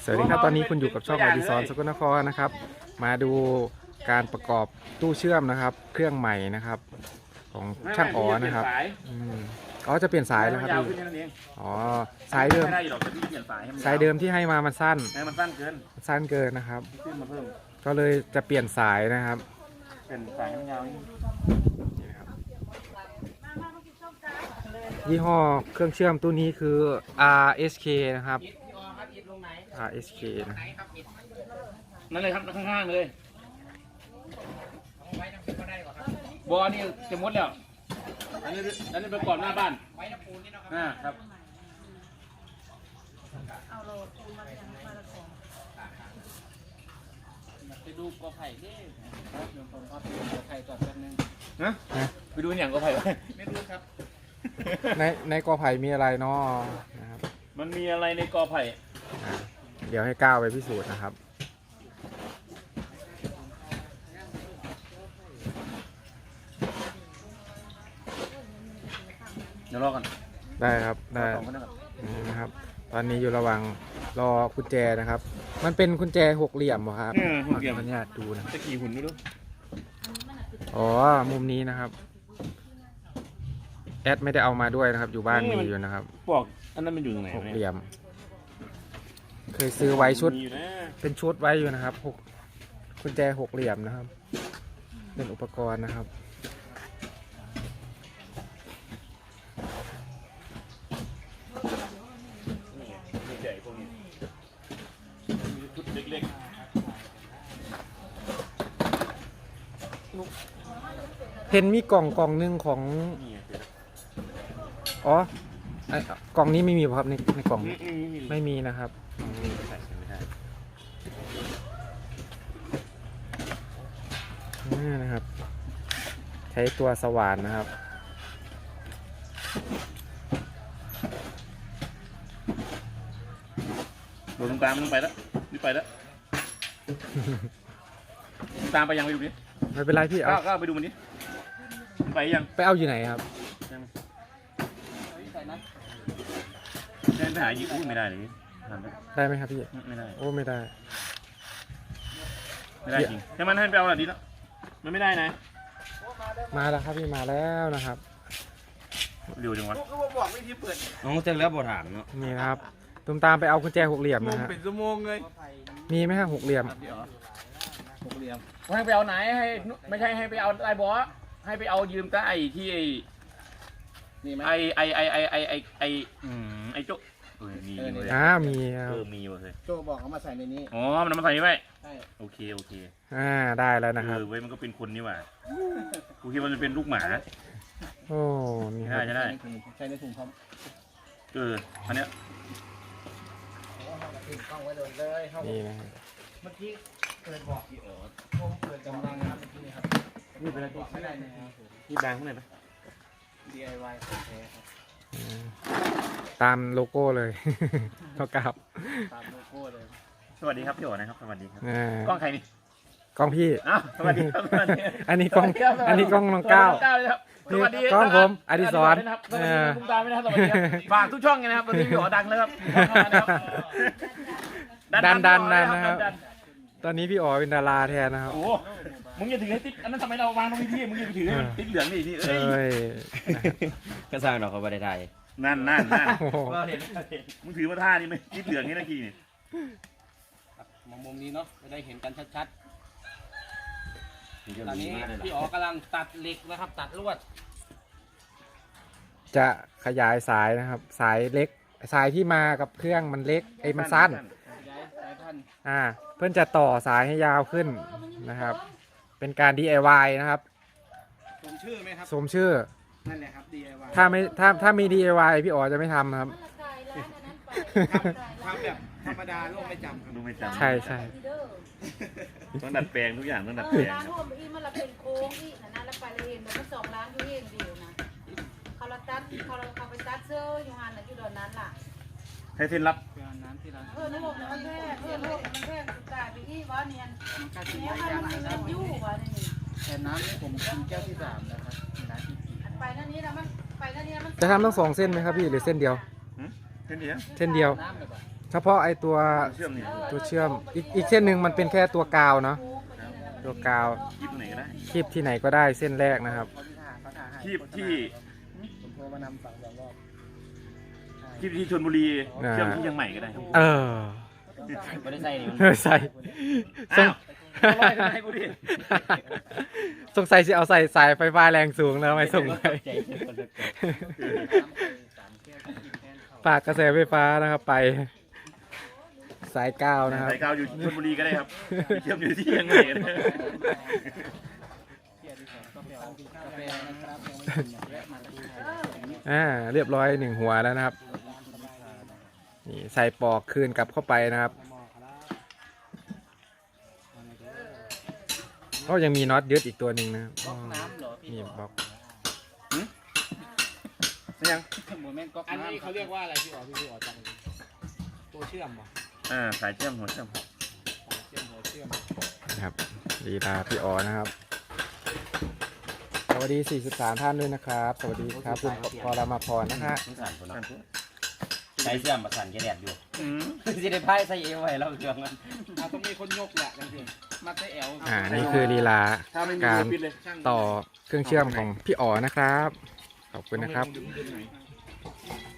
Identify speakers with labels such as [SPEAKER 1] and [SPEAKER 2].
[SPEAKER 1] สวัสดีครับตอนนี้คุณอยู่กับช่องอดิศรสกลนครนะครับมาดูการประกอบตู้เชื่อมนะครับ เครื่องใหม่นะครับของช่างอ๋อนะครับอ๋อจะเปลี่ยนสายแล้วครับพี่อ๋อสายเดิมสายเดิมที่ให้มามันสั้น
[SPEAKER 2] มันสั้นเกิน
[SPEAKER 1] นะครับ
[SPEAKER 2] ขึ้นมาเพิ่ม
[SPEAKER 1] ก็เลยจะเปลี่ยนสายนะครับ
[SPEAKER 2] เปลี่ยนสายให้มันยาว
[SPEAKER 1] ยี่ห้อเครื่องเชื่อมตู้นี้คือ RSK นะครับ RSK นะ
[SPEAKER 2] นั่นเลยครับข้างๆเลยบอนี่จะมดแล้วอันนี้ไปก่อนหน้าบ้านครับไปดูกอไผ่ดิเดี๋ยวผมพาไปดูกอไผ่ก่อนแป๊บนึงไปดูอย่างกอไผ่ไม่รู้ครับ
[SPEAKER 1] ในกอไผ่มีอะไรเนาะนะครับ
[SPEAKER 2] มันมีอะไรในกอไผ่
[SPEAKER 1] เดี๋ยวให้ก้าวไปพิสูจน์นะครับ
[SPEAKER 2] เดี๋ยวรอกัน
[SPEAKER 1] ได้ครับได้นะครับตอนนี้อยู่ระหว่างรอกุญแจนะครับมันเป็นกุญแจหกเหลี่ยมเหรอครับ
[SPEAKER 2] หกเหลี่ยม
[SPEAKER 1] มันยากดูนะ
[SPEAKER 2] จะกี่หุ่นไม่รู้
[SPEAKER 1] อ๋อมุมนี้นะครับแอดไม่ได้เอามาด้วยนะครับอยู่บ้านมีอยู่นะครับ
[SPEAKER 2] บอกอันนั้นมันอยู่ตรงไหน
[SPEAKER 1] หกเหลี่ยมเคยซื้อไว้ชุดเป็นชุดไว้อยู่นะครับกุญแจหกเหลี่ยมนะครับเป็นอุปกรณ์นะครับเห็นมีกล่องหนึ่งของอ๋อกล่องนี้ไม่มีครับในกล่องไม่มีนะครับนี่นะครับใช้ตัวสว่านนะครับ
[SPEAKER 2] โดนตามมันไปแล้วนี่ไปแล้วตามไปยังไปดูดิ
[SPEAKER 1] ไม่เป็นไรพี่เอา
[SPEAKER 2] ก็ไปดูมันดิไปยัง
[SPEAKER 1] ไปเอาอยู่ไหนครับ
[SPEAKER 2] ได้ไปหายิงไม่ได้เลย
[SPEAKER 1] ได้ไหมครับพี่
[SPEAKER 2] ไม่ได้
[SPEAKER 1] โอ้ไม่ได้
[SPEAKER 2] จริงใช่มันให้ไปเอาหน่อยดีแล้วมันไม่ได้นะ
[SPEAKER 1] มาแล้วครับพี่มาแล้วนะครับ
[SPEAKER 2] เร็วจังวะบอกไม่ที่เปิดน้อง
[SPEAKER 3] เจอแล้วบทถามเนาะ
[SPEAKER 1] นี่นะครับตุ้มตามไปเอากุญแจหกเหลี่ยมนะฮะ
[SPEAKER 2] เป็นชั่วโมงเลย
[SPEAKER 1] มีไหมฮะหกเหลี่ยม
[SPEAKER 2] ให้ไปเอาไหนให้ไม่ใช่ให้ไปเอาไอ้บอสให้ไปเอายืมไอ้ที่ไอ้โจ๊มี
[SPEAKER 1] มี
[SPEAKER 2] เลย
[SPEAKER 3] โจบอกเขามาใส่ในนี้
[SPEAKER 2] อ๋อมันมาใส่นี่ไว้โอเค
[SPEAKER 1] ได้แล้วนะครับ
[SPEAKER 2] เว้ยมันก็เป็นคนนี่หว่ากูคิดว่ามันเป็นลูกหมา
[SPEAKER 1] โอ้นี่
[SPEAKER 2] ใช่
[SPEAKER 3] ใช้ในถุงพร้อม
[SPEAKER 2] อันเนี้ย
[SPEAKER 1] นี่นะ
[SPEAKER 3] เมื่อกี้เกิดบอกพี่ผมเกิดกำลังนะครับเมื่อกี้นี่ครับ
[SPEAKER 2] นี่เป็นอะไร
[SPEAKER 3] ไม่ได้นะครับ
[SPEAKER 2] นี่แบงค์ข้างในไหม
[SPEAKER 3] DIY ของแท้ครับ
[SPEAKER 1] ตามโลโก้เลยเท่ากับ
[SPEAKER 3] ตามโลโก้เลย
[SPEAKER 2] สวัสดีครับพี่โอ๋นะครับสวัสดีครับ
[SPEAKER 1] กล้
[SPEAKER 2] องใครนี่
[SPEAKER 1] กล้องพี่
[SPEAKER 2] สวัสดีครับ
[SPEAKER 1] อันนี้กล้องน้องก้าว
[SPEAKER 2] สวัสดี
[SPEAKER 1] กล้องผมอดิศร
[SPEAKER 2] คุณตาไม่ได้สวัสดีครับฝากทุกช่องไงนะครับตอนนี้พี่โอ๋ดังแล้วครับ
[SPEAKER 1] ดันนะครับตอนนี้พี่อ๋อเป็นดาราแทนนะครับ
[SPEAKER 2] โอ้มึงอย่าถือให้ติ๊กอันนั้นทำไมเราวางตรงนี้พี่มึงอย่าถือให้มันติ๊กเหลืองนี่พี่
[SPEAKER 3] ก็สร้างดอกเขาไปได้
[SPEAKER 2] นั่นมึงถือมาท่านี่ไหมติ๊กเหลืองนี่นะกี้นี่
[SPEAKER 3] มุมนี้เนาะจะได้เห็นกันชัดๆตอนนี้พี่อ๋อกำลังตัดเหล็กนะครับตัดลวด
[SPEAKER 1] จะขยายสายนะครับสายเล็กสายที่มากับเครื่องมันเล็กมันสั้นเพื่อนจะต่อสายให้ยาวขึ้นนะครับเป็นการ DIY นะครับ
[SPEAKER 3] สมชื่อไหมครับ
[SPEAKER 1] สมชื่อ
[SPEAKER 3] นั่นแหละครับ DIY
[SPEAKER 1] ถ้ามี DIY พี่อ๋อจะไม่ทำครับ
[SPEAKER 3] ทำแบบธรรมดาลูกไม่จำ
[SPEAKER 2] ลูกไม่จำ
[SPEAKER 1] ใช่
[SPEAKER 2] ต้องดัดแปลงทุกอย่างต้องดัดแปลง
[SPEAKER 4] ร้านร่วมอีมันละเป็นโค้งอีนะแล้วไปเลยเห็นมัน2 ล้านอยู่เองเดียวนะเขาละตัดเขาไปตัดเสื้ออยู่หันอยู่ตอนนั้นล่ะ
[SPEAKER 2] ให้เส้นรับ
[SPEAKER 3] น้ำที่ร้าน
[SPEAKER 4] ลูกมันแพงลูกมันแพงสุดกายไปอีวะเนี่ยมันยู่วะนี่
[SPEAKER 3] แต่น้ำผมกินแก้วที่3แล้วครับร้านที่
[SPEAKER 4] 4ไปนั่นนี้นะมันไปนั่นนี้มัน
[SPEAKER 1] จะทำทั้ง2 เส้นไหมครับพี่หรือเส้นเดียว
[SPEAKER 2] เส้นเดียว
[SPEAKER 1] เฉพาะไอตัว
[SPEAKER 2] เชื่อมนี่
[SPEAKER 1] ตัวเชื่อมอีกเส้นหนึ่งมันเป็นแค่ตัวกาวเนาะตัวกาว
[SPEAKER 2] คีบไหนก็ได้
[SPEAKER 1] คีบที่ไหนก็ได้เส้นแรกนะครับ
[SPEAKER 2] คีบที่
[SPEAKER 3] ผมโทรมานำสั่ง2 รอบ
[SPEAKER 2] คีบที่ชลบุรีเชื่อมที่เชียงใหม่ก็ได้ครับ
[SPEAKER 1] เออ
[SPEAKER 2] ไม่ได้ใส่นี่มัน
[SPEAKER 1] เออใส่สง
[SPEAKER 2] อ้าวร้อยทำไมกูดิ
[SPEAKER 1] สงสัยจะเอาใส่สายไฟฟ้าแรงสูงแล้วไม่ส่งไปฝากกระแสไฟฟ้านะครับไปสายก้าวนะครับ
[SPEAKER 2] สายกาวอยู่ชลบุรีก็ได้ครับเชื่อมอยู่ที่เชียงใหม่ก็ได้
[SPEAKER 1] เรียบร้อย1 หัวแล้วนะครับนี่ใส่ปอกคืนกลับเข้าไปนะครับก็ยังมีน็อตยึดอีกตัวหนึ่งนะครับ
[SPEAKER 3] ก๊อกน้ำเหรอพี่
[SPEAKER 1] นี่บล็อก
[SPEAKER 2] ยัง
[SPEAKER 3] โมเมนต์ก๊อกน้ำอันนี้เขาเรียกว่าอะไรพี่อ๋อจังตัวเชื่อมป่ะ
[SPEAKER 2] สายเชื่อมหัวเชื่อม
[SPEAKER 3] หัวเชื่อม
[SPEAKER 1] นะครับลีลาพี่อ๋อนะครับสวัสดี43 ท่านด้วยนะครับ สวัสดีครับคุณพรมาพรนะฮะ
[SPEAKER 5] ใช้เสื่อมประสานแกแดดอยู่สิได้พายใส่เอวไว้แล้วเครื่องมัน
[SPEAKER 3] ต้องมีคนยกแหละจังสิมาเตะแอล
[SPEAKER 1] นี่คือลีลา
[SPEAKER 2] ถ้าไม่มี
[SPEAKER 1] การ
[SPEAKER 2] ปิดเลย
[SPEAKER 1] ต่อเครื่องเชื่อมของพี่อ๋อนะครับ ขอบคุณนะครับ
[SPEAKER 2] ดึงไหน